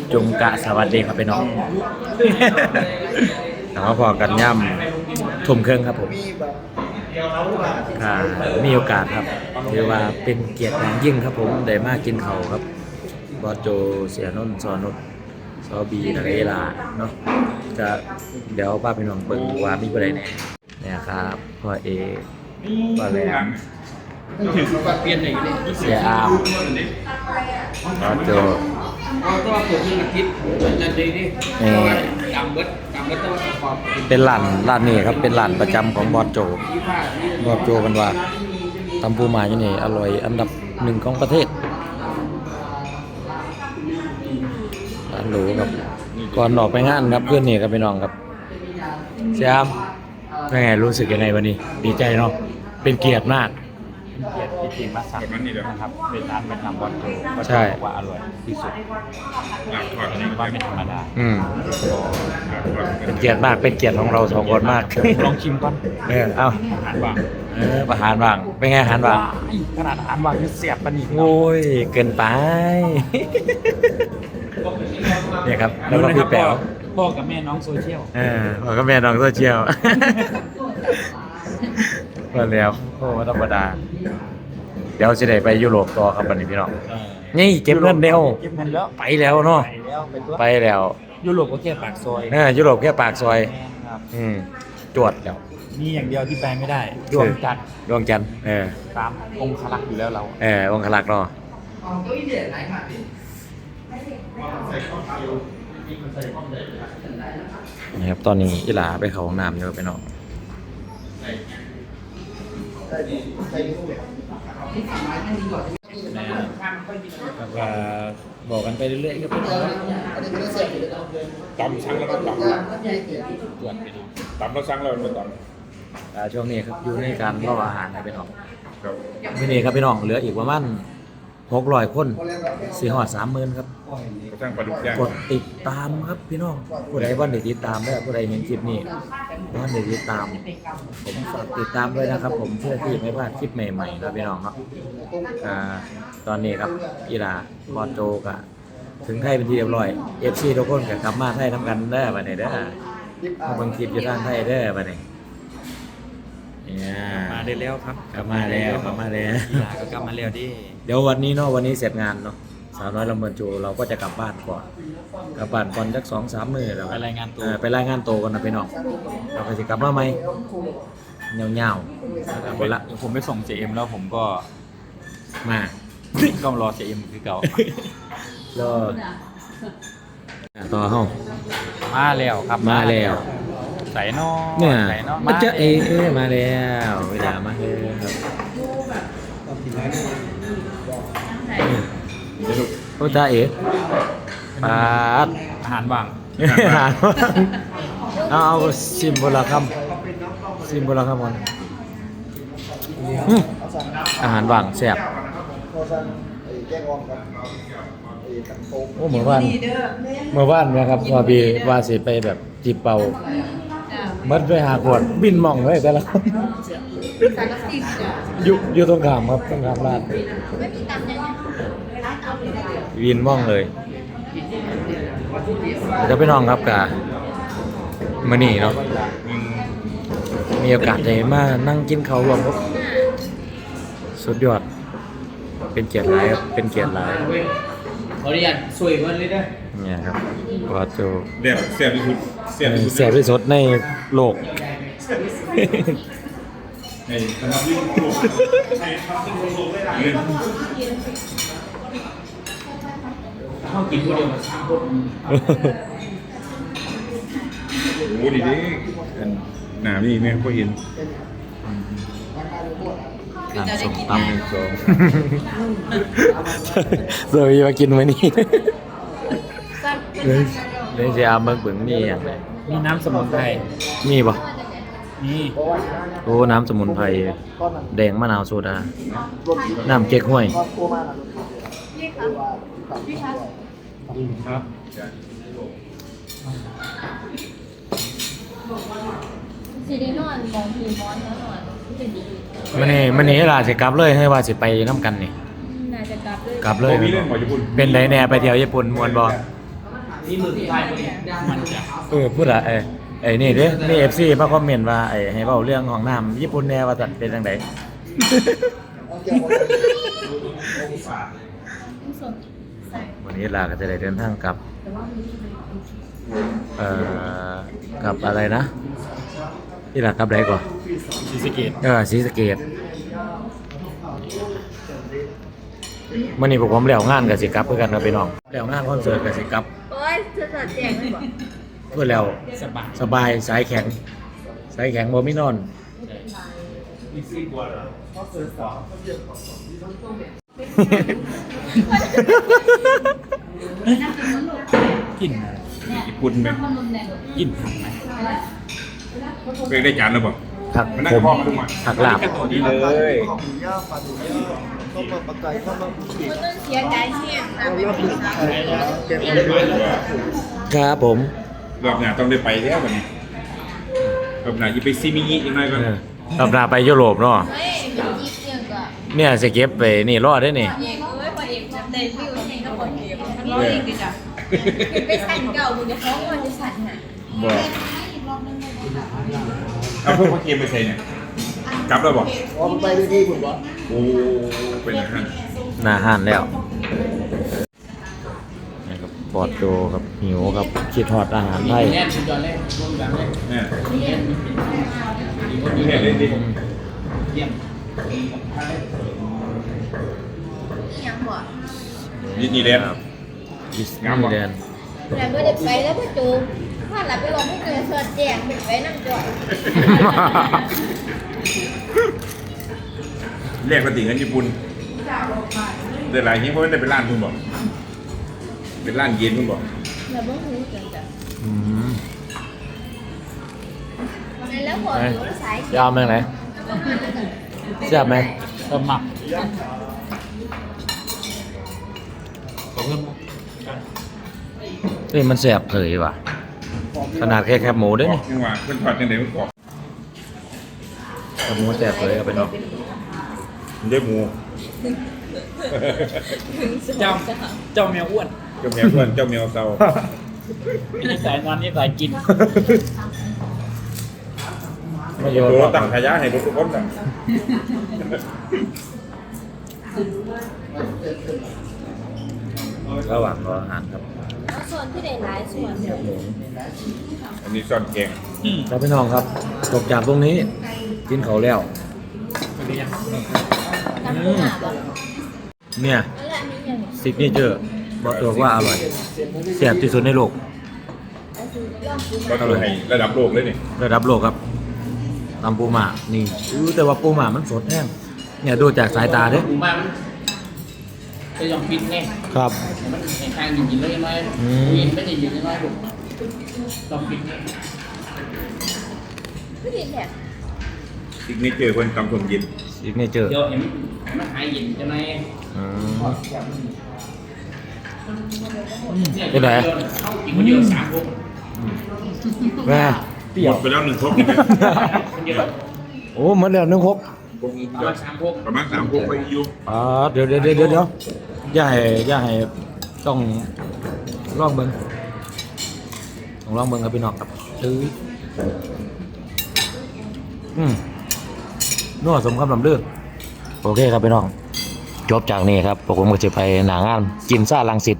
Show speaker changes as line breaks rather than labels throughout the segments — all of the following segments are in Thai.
จุงกะสวัสดีครับพี่น้องถามว่าพอกันย่ำทุ่มครึ่งครับผมมีโอกาสครับถือว่าเป็นเกียรติอย่างยิ่งครับผมได้มากินเขาครับบอสโจเสียนนท์สอนุชซอบีนักเอลาเนาะจะเดี๋ยวป้าพี่น้องเบิ่งว่ามีอะไรแน่เนี่ยครับพ่อเอพ่อแหลมเสียอามบอสโจ
ตัวเปิดอาทิตย์จันทร์ดีจำเบิดต้องขอบ
เป็นร้านนี้ครับเป็นร้านประจำของบอสโจกันว่าตำปูหมาอยู่นี่อร่อยอันดับหนึ่งของประเทศร้านหรูครับก่อนออกไปงานครับเพื่อนนี่กับพี่น้องครับเสียมเป็นไงรู้สึกยังไงวันนี้ดีใจเนาะเป็นเกียรติมาก
เกียรติที่ทีมมาสั่งนะครับเป็นร้านประจำบอลโจก็จะบอกว่าอร่อยที่สุดอันนี้ว่าไม่ธรรมดา
เป็นเกียรติมากเป็นเกียรติของเราสองคนมาก
ลองชิมก่อน
เอ้า
อาหารว่าง
อาหารว่างเป็นไงอาหารว่าง
ขนาดอาหารว่างยังเสียบปะนี่
โอ้ยเกินไปเนี่ยครับแล้วก็พี่แป๋ว
พ่อกับแม่น้องโซเชียล
พ่อกับแม่น้องโซเชียลก็แล้วโอ้ธรรมดาเดี๋ยวจะได้ไปยุโรปต่อครับวันนี้พี่น้องนี่เก็บเงินเร็วไปแล้วเนาะไปแล้ว
ยุโรปก็แค่ปากซอย
ยุโรปแค่ปากซอยจวดแล้ว
มีอย่างเดียวที่แปลไม่ได้ดวงจันทร์ตามองคลักษ์อยู่แล้วเรา
องคลักษ์เนาะนะครับตอนนี้อีหลาไปเข้าห้องน้ำเยอะไปเนาะแล้วก็บอกกันไปเรื่อยๆก็เป็น
ตำสั่งแล้วก็ตำตรวจไปดูตำแล้วสั่งแล้วมันต
ำช่วงนี้ครับอยู่ในการรออาหารนะพี่น้องที่นี่ครับพี่น้องเหลืออีกประมาณ600 คน4 หอด 30,000ครับกดติดตามครับพี่น้องผู้ใดว่าได้ติดตามได้ผู้ใดเห็นคลิปนี้ว่าได้ติดตามผมฝากติดตามด้วยนะครับผมเพื่อที่ไม่พลาดคลิปใหม่ๆครับพี่น้องครับตอนนี้ครับอีลาบอสโจกะถึงไทยเป็นที่เรียบร้อย FC ทุกคนก็กลับมาไทยทำกันได้บัดนี้เด้อบางคลิปอยู่ทางไทยเด้อบัดนี้
มาได้แล้วครับ
กลับมาแล้ว
อีลาก็กลับมาแล้วดิ
เดี๋ยววันนี้เนาะวันนี้เสร็จงานเนาะสาวน้อยลำเบินโจเราก็จะกลับบ้านก่อนสัก 2-3 มื้อแล้ว
ไปรายงาน
ตัวกันนะพี่น้องเราก็จะกลับมาใหม่เงา
ๆละผมไปส่ง JM แล้วผมก็
มา
ต้องรอ JM คือเก่า
ต่อห้อง
มาแล้วครับ
มาแล้ว
ใส่นอ
เนี่ยมาเจอมาแล้วเวลามาเลยครับโอ้จ้าปาด
อาหารว่าง
เอาซิมโบราณคำมันอาหารว่างแซ่บโอ้เมื่อวานนะครับว่าสิไปแบบจีบเป่ามัดไปหาขวดบินมองไว้แต่ละคนอยู่ตรงขามครับตรงขามร้านวินมองเลยจะไปน้องครับกะมื้อนี้เนาะมีโอกาสได้มานั่งกินข้าวรวมครับสุดยอดเป็นเกียรติหลายครับเป็นเกียรติหลาย
ขออนุญาตสวยวันเลยนะ
เนี่ยครับว่าโจ
เสียบที่สุด
เสียบที่สุดในโลก
เข้ากินคนเดียวมาสร้างคน
โอ้ดีดิหนานี่เนี่ยก็เห็น
น้ำส้มตำเดี๋ยวมากินไว้นี่เลยจะเอาเบิ่งมีอย่างไร
มีน้ำสมุนไพร
มีป่ะ
มี
โอ้น้ำสมุนไพรแดงมะนาวโซดาน้ำเก๊กฮวย
ครับ
สีดีนอนของผีมอนนอน
มันนี่ล่ะสิกลับเลยให้ว่าสิไปน้ำกันนี่
น่าจะกลับเลย
เป็นไดแน่ไปเที่ยวญี่ปุ่นม่วนบ่
นี่มือที่ไทยมันจะ
พูดอะไอ้นี่เด้นี่ FC มาคอมเมนต์ว่าไอ้ให้เว้าเรื่องของน้ำญี่ปุ่นแน่ว่าจัดเป็นจังได
สดใส่
วันนี้ลาก็จะได้เดินทางกลับกับอะไรนะที่ลากลับไหนก่อน
ศรีสะเกษ
ศรีสะเกษมื่อนี้พวกผมแล้วงานกับสิกลับเพื่อกันกับพี่น้องแล้วงานคอนเสิร์ตกับสิกลับ
โอ้ยจะสดแจงเลยบ่
เพื่อแล้ว
สบาย
สายแข็งบ่มีนอน
มีซีบัวเหรอ กิน
ญี่ปุ่นไหม
กินผักไหม
เป็นได้จานแล้วบ่
ผัก
มันน่า
ผ
จะ
ม
พอขึ้นมา
ผักลาบ
ดีเลย
มันต้องเสียใจเสี่ยงนะไม่มีนะครับ
ผม
รอบหน้าต้องได้ไปแล้ววันนี้รอบหน้าจะไปซิมิงิอีกหน่อยก่อน
ตำราไปยุโรปเนาะ
เฮ้ยเป็นยิบเนี่ยก็
เนี่ยสิเก็บไปนี่รอดได้นี่
เอกเอ้ยพอเอกจำได้วิวเองก็พอเอกมันร้อยเองดิจ้ะไปสั่นเก่ามึงจะฟ้องว่าจะสั่นหา
บ่เอาพวกพ่อเกมไปใส่เนี่ยกลับแล้วบ่
อ๋อมันไปด้วยที่คุณวะ
โอ้เป็นอาหาร
หน้าห้านแล้วนี่ครับปอดโจครับหิวครับคิดฮอดอาหารไทย
แน่นสุดยอดเลยรวมกันเลย
เนี่ย
แน่น
เนี่ยเล่นดิ
เยี่ยม
ยังบ่
นี่แหละ
ดิสนีย์แลนด์
แต่ไม่ได้ไปแล้วพ่อจูถ้าหลับไปลงไม่เจอสดแจงไปนั่งจ่อย
เรียกปฏิเงินญี่ปุ่นแต่หลายที่เพราะไม่ได้เป็นร้านคุณบอกเป็นร้านเย็นคุณบอก
เราไม่รู้จังจ้ะ
อืม
แล้วพออยู่สาย
ยาวไหมไหนแซ่บไหม
เติมหมักขอเพิ่ม
นี่มันแซ่บเผยว่ะขนาดแค่แคบหมูด้วยนี่
ยังว่าเพิ่นทอดยังไงมันกรอบ
แคบหมูแซ่บเผยเอาไปเนาะ
มันได้หมู
เจ้าแมวอ้วน
เจ้าแมวเพื่อนเจ้าแมวเซา
นี่สายนอนนี่สายกิน
ไม่โยน
โอ้
หรอก
ตั้งขยะให้ทุกคนน่ะ
ระหว่างรออาหารครับ
ส่วนที่ได้หลายส่วน
อันนี้ซ่อนแกง
ครับพี่น้องครับจบจากตรงนี้กินเขาวแล้ว
น้ำปูหนาบ่
เนี่ย
แล้วอันนี้ยัง
ซิกเนเจอร์บอกตัวว่าอร่อยแซ่บที่สุดในโลก
ก็คือให้ระดับโลกเลยนี่
ระดับโลกครับตำปูหม่านี่แต่ว่าปูหม่ามันสดแห้งเนี่ยดูจากสายตาเด้
หมูมามันจะยอมปิดไง
ครับ
มันในทางยินเลยไหมยินไม่ได้ยินน้อยผมต้องปิดไง
ไม่ดีแหละ
ซิกเนเจอร์เพิ่นตำส้มเย็น
ซิกเนเจอร์
เดี๋ยวเห็นมันหายยินจะไหม
เป็นไร
เข้ากินคนเดียว3 คน
แม่
หมดไปแล้ว1 ครกนี่
คนเดียว
โอ้เหมือนเดิมนึงครบ
ประมาณ3 คน
ประมาณ3 ครกไปอยู่
เดี๋ยวอย่าให้ต้องลองเบิ่งต้องลองเบิ่งครับพี่น้องครับนัวสมคำลำเลือกโอเคครับพี่น้องจบจากนี้ครับผมก็จะไปหนางานกินซ่าลังสิต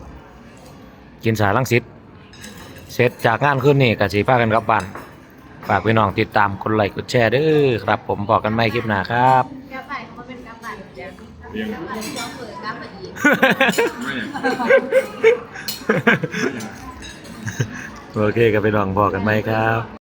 เสร็จจากงานคืนนี้ก็สิพากันกลับบ้านฝากพี่น้องติดตามกดไลค์กดแชร์เด้อครับผมบอกกันใหม่คลิปหน้าครับ
กลับไปเขามาเป็นกลับบ้านจ้ะ
เรียง
กลับบ้านซ้อมเปิดกลับมาอีก
ไม่อย่าง
โอเคครับพี่น้องบอกกันไหมครับ